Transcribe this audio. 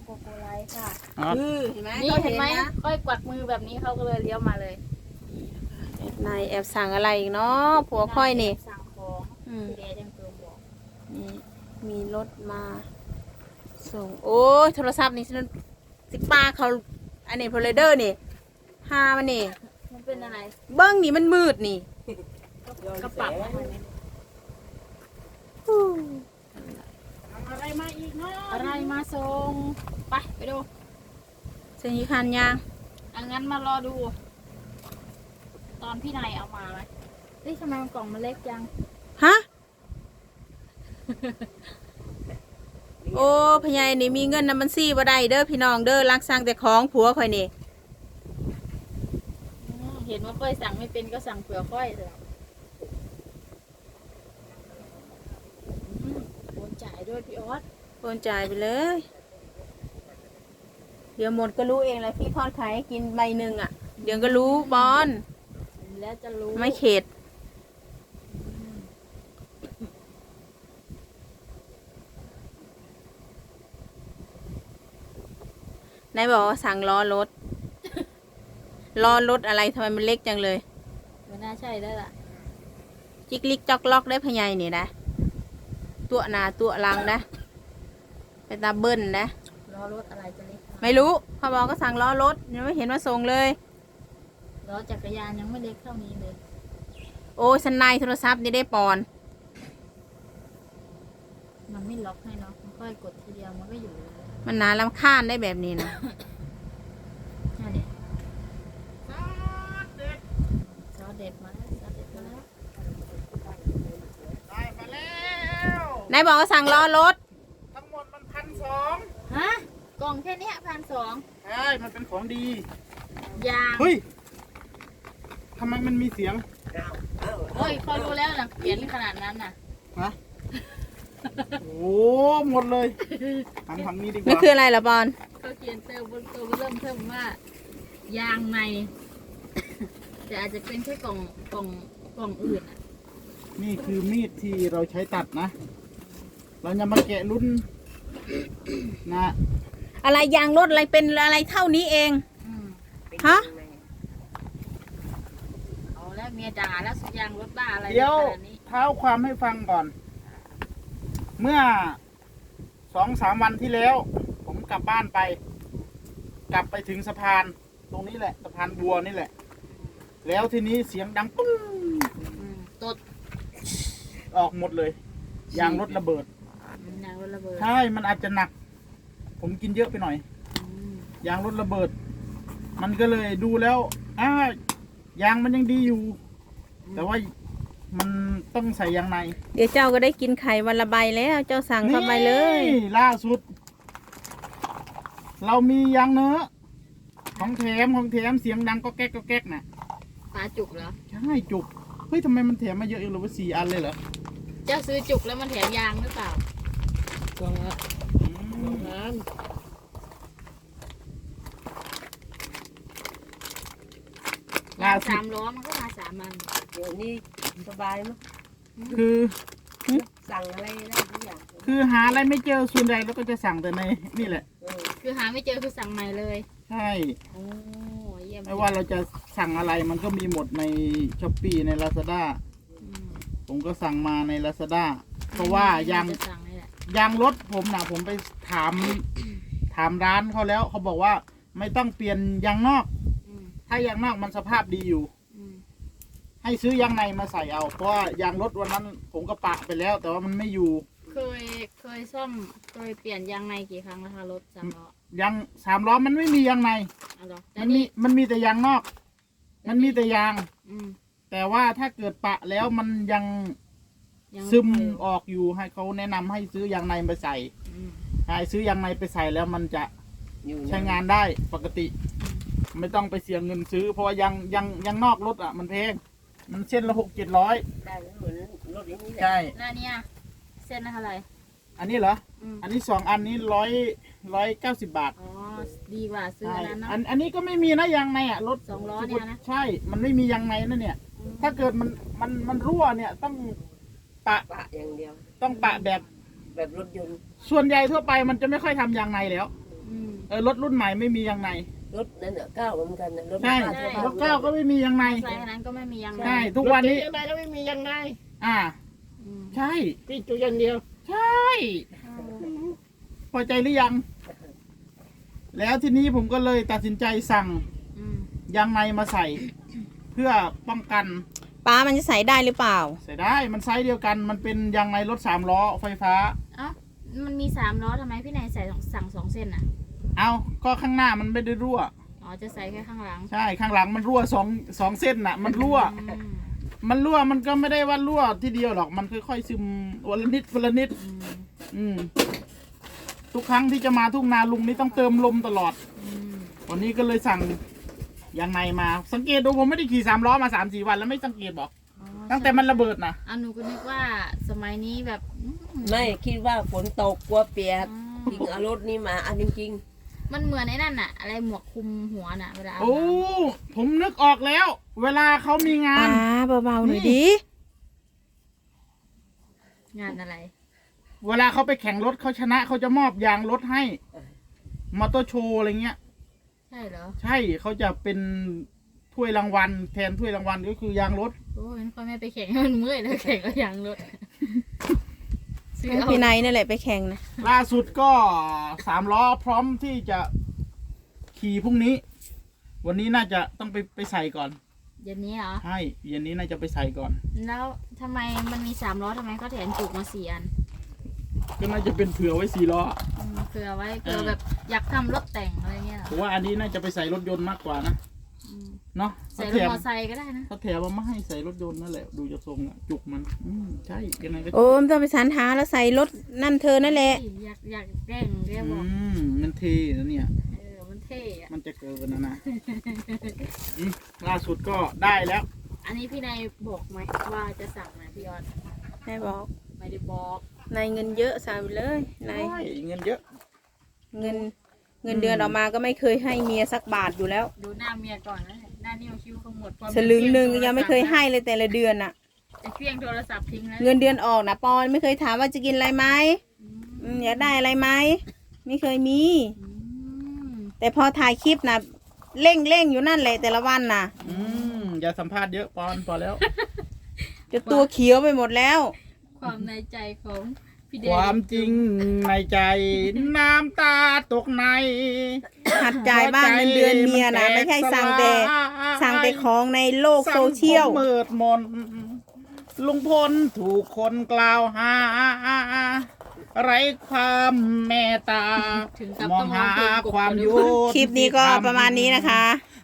โกโกไลท์ค่ะเห็นไหมนี่เห็นไหมค่อยกวักมือแบบนี้เขาก็เลยเลี้ยวมาเลยนายแอบสั่งอะไรอีกเนาะผัวค่อยนี่สั่งของพี่เดชยังตัวบอกนี่มีรถมาส่งโอ้ยโทรศัพท์นี่ฉันสิป้าเขาอันนี้พลเดอร์นี่หามันนี่มันเป็นอะไรเบิ้งนี่มันมืดนี่กระปับอะไรไหมอะไรมาอีกเนาะอะไรมาส่งไปดูเสียงยีคันยางอังั้นมารอดู ตอนพี่นายเอามาไหมนี่ทำไมมันกล่องมันเล็กจังฮะ โอ้พญายนี่มีเงินนำบัญชีบ่ได้เด้อพี่น้องเด้อรักสั่งแต่ของผัวข่อยนี่เห็นว่าค่อยสั่งไม่เป็นก็สั่งเผื่อค่อยเลยโอนจ่ายด้วยพี่ออสโอนจ่ายไปเลย เดี๋ยวหมดก็รู้เองแหละพี่ทอดไข่ให้กินใบหนึ่งอ่ะ เดี๋ยวก็รู้บอลแล้วจะรู้ไม่เข็ดนายบอกว่าสั่งล้อรถ ล้อรถอะไรทำไมมันเล็กจังเลยไม่น่าใช่ได้ละจิกลิกจอกล็อกได้พะไยนี่นะ ตัวหนาตัวหลังนะไปตาเบิ้ลนะล้อรถอะไรจะเล็กไม่รู้เขาบอกก็สั่งล้อรถยังไม่เห็นมาส่งเลยล้อจักรยานยังไม่เล็กเท่านี้เลยโอ้สันในโทรศัพท์นี่ได้ปอนมันไม่ล็อกให้เนาะมันค่อยกดทีเดียวมันก็อยู่เลยมันน่ารำคาญได้แบบนี้นะใช่เนี่ยซอสเด็ดมาแล้วซอสเด็ดมาแล้วได้มาแล้วนายบอกว่าสั่งล้อรถทั้งหมดมัน1,200 ฮะกล่องแค่เนี้ย1,200 ใช่มันเป็นของดียางเฮ้ยทำไมมันมีเสียงโอ้ยเขารู้แล้วนะเขียนขนาดนั้นน่ะฮะ โอ้หมดเลยหันทางนี้ดีกนี่ว่าคืออะไรล่ะบอลเขาเขียนเติมบนตัวเริ่มเพิ่มว่ายางใน แต่อาจจะเป็นแค่กล่องอื่นอ่ะนี่คือมีดที่เราใช้ตัดนะ เราจะมาแกะรุ่นนะอะไรยางรถอะไรเป็นอะไรเท่านี้เองอืมฮะเอาแล้วเมียด่าแล้วสุดยางรถบ้าอะไรเดี๋ยวขนาดนี้เท้าความให้ฟังก่อน เมื่อ2-3 วันที่แล้ว ผมกลับบ้านไป กลับไปถึงสะพาน ตรงนี้แหละสะพานบัวนี่แหละ แล้วทีนี้เสียงดังปุ้งตดออกหมดเลยยางรถระเบิดยางรถระเบิดใช่ มันอาจจะหนัก ผมกินเยอะไปหน่อยอืมยางรถระเบิด มันก็เลยดูแล้วยางมันยังดีอยู่ แต่ว่ามันต้องใส่ยางในเดี๋ยวเจ้าก็ได้กินไข่วันละใบแล้วเจ้าสั่งเข้าไปเลยนี่ล่าสุด เรามียางเนื้อของแถมเสียงดังก็แก๊กก็แก๊กน่ะปลาจุกเหรอใช่จุก เฮ้ยทำไมมันแถมมาเยอะอีกเลยว่า4 อันเลยเหรอเจ้าซื้อจุกแล้วมันแถมยางหรือเปล่าล่าสุด 3 ล้อมันก็มา3 อันเดี๋ยวนี้สบายมั้ยคือสั่งอะไรได้ทุกอย่างคือหาอะไรไม่เจอส่วนใหญ่แล้วก็จะสั่งแต่ในนี่แหละคือหาไม่เจอคือสั่งใหม่เลยใช่โอ้เยี่ยมไม่ว่าเราจะสั่งอะไรมันก็มีหมดในช้อปปี้ใน Lazada อืมผมก็สั่งมาใน Lazada เพราะว่ายางจะสั่งนี่แหละยางรถผมนะผมไปถามร้านเขาแล้วเขาบอกว่าไม่ต้องเปลี่ยนยางนอกอืมถ้ายางนอกมันสภาพดีอยู่อืมให้ซื้อยางในมาใส่เอา เพราะว่ายางรถวันนั้นผมก็ปะไปแล้ว แต่ว่ามันไม่อยู่เคยซ่อมเคยเปลี่ยนยางในกี่ครั้งแล้วคะรถ3 ล้อยาง3 ล้อมันไม่มียางในอ๋อเหรอแต่มันมีแต่ยางนอก มันมีแต่ยางอืมแต่ว่าถ้าเกิดปะแล้วมันยังยังซึมไอยู่ออกอยู่ให้เขาแนะนำให้ซื้อยางในไปใส่อืมให้ซื้อยางในไปใส่แล้วมันจะอยู่ใช้งานได้ปกติ ไม่ต้องไปเสียเงินซื้อ เพราะว่ายางนอกรถอ่ะ มันแพงมันเส้นละ600-700 ได้แล้วเหมือนรถอย่างนี้แหละใช่แล้วเนี่ยเส้นละเท่าไหร่อันนี้เหรออืมอันนี้2 อันนี้190 บาทอ๋อดีกว่าซื้อใช่อันนั้นเนาะอันนี้ก็ไม่มีนะยางในอ่ะรถ 2 ล้อเนี่ยนะใช่ มันไม่มียางในนั่นเนี่ย ถ้าเกิดมันรั่วเนี่ยต้องปะปะอย่างเดียวต้องปะแบบแบบรถยนต์ส่วนใหญ่ทั่วไปมันจะไม่ค่อยทำยางในแล้วอืมรถรุ่นใหม่ไม่มียางในรถนั่นน่ะก้าวเหมือนกันนะรถใช่บ้านชาวบ้านรถเก้าก็ไม่มียางในใส่อันนั้นก็ไม่มียางในใช่ทุกวันนี้ยังไงก็ไม่มียังไงอ่าอืมใช่พี่จุอย่างเดียวใช่พอใจหรือยัง แล้วทีนี้ผมก็เลยตัดสินใจสั่งอืมยางในมาใส่ เพื่อป้องกันป้ามันจะใส่ได้หรือเปล่าใส่ได้มันไซส์เดียวกัน มันเป็นยางในรถ3 ล้อไฟฟ้าเอ้ามันมี3 ล้อทำไมพี่นายใส่สั่ง2 เส้นอ่ะเอาก็ข้างหน้ามันไม่ได้รั่วอ๋อจะใส่แค่ข้างหลังใช่ข้างหลังมันรั่วสองเส้นน่ะ มันรั่วอืมมันรั่วมันก็ไม่ได้ว่ารั่วทีเดียวหรอกมันค่อยๆซึมวันละนิดวันละนิดอืมอืมทุกครั้งที่จะมาทุ่งนาลุงนี่ต้องเติมลมตลอดอืมวันนี้ก็เลยสั่งยางในมา สังเกตดูผมไม่ได้ขี่3 ล้อมา3-4 วันแล้วไม่สังเกตบอกอ๋อตั้งแต่มันระเบิดนะอ่ะหนูก็นึกว่าสมัยนี้แบบอืมไม่คิดว่าฝนตกกลัวเปียกอ๋อจริงเอารถนี้มาอันจริงมันเหมือนไอ้นั่นน่ะ อะไรหมวกคลุมหัวน่ะเวลาอาบโอ้น้ำผมนึกออกแล้ว เวลาเขามีงาป้าน เบาๆหน่อยดิงานอะไรเวลาเขาไปแข่งรถเขาชนะเขาจะมอบยางรถให้มอเตอร์โชว์อะไรเงี้ยใช่เหรอใช่เขาจะเป็นถ้วยรางวัลแทนถ้วยรางวัลก็คือยางรถโอ้ยมันค่อยไม่ไปแข่งให้มันเมื่อยแล้วแข่งก็ยางรถซื้อให้เอาพี่นายนั่นแหละไปแข่งนะล่าสุดก็3 ล้อพร้อมที่จะขี่พรุ่งนี้ วันนี้น่าจะต้องไปใส่ก่อนเดี๋ยวนี้เหรอใช่เย็นนี้น่าจะไปใส่ก่อนแล้วทำไมมันมี3 ล้อทำไมเขาแถมจุกมา4 อันก็น่าจะเป็นเผื่อไว้4 ล้อเผื่อไว้เผื่อแบบอยากทำรถแต่งอะไรเงี้ยเหรอผมว่าอันนี้น่าจะไปใส่รถยนต์มากกว่านะอืมเนาะใส่เขารถแถมมอไซค์ก็ได้นะเขาแถมมาไม่ให้ใส่รถยนต์นั่นแหละดูจะทรงอะจุกมัน ใช่ยังไงก็โอ้มต้องไปสรรหาแล้วใส่รถนั่นเธอนั่นแหละอยากแกล้งเรียกบอกมันเทนะเนี่ยมันเท่อะมันจะเกินนะล่าสุดก็ได้แล้วอันนี้พี่นายบอกไหมว่าจะสั่งนะพี่ยอดนายบอกไม่ได้บอกนายเงินเยอะสั่งไปเลยนายใช่เงินเยอะเงินเดือนออกมาก็ไม่เคยให้เมียสักบาทอยู่แล้วดูหน้าเมียก่อนนะหน้านิ้วคิ้วขมวดพอสลึงหนึ่งยังไม่เคยให้เลยแต่ละเดือนน่ะจะเคลี้ยงโทรศัพท์ทิ้งแล้วเงินเดือนออกนะปอนไม่เคยถามว่าจะกินอะไรไหมอยากได้อะไรไหมไม่เคยมีอืมแต่พอถ่ายคลิปนะเร่งอยู่นั่นแหละแต่ละวันน่ะอย่าสัมภาษณ์เยอะปอนพอแล้วจะตัวเขียวไปหมดแล้วความในใจของพี่เดคชวามจริงในใจน้ำตาตกในหัดจ่ายบ้างเงินเดือนเมียนะไม่ใช่สั่งแต่ของในโลกโซเชียลสังคมมืดมนลุงพลถูกคนกล่าวหาไร้ความเมตตาถึงกับมอต้งองหาร้องเพลงกบความยุติธรรมคลิปนี้ก็ประมาณนี้นะคะ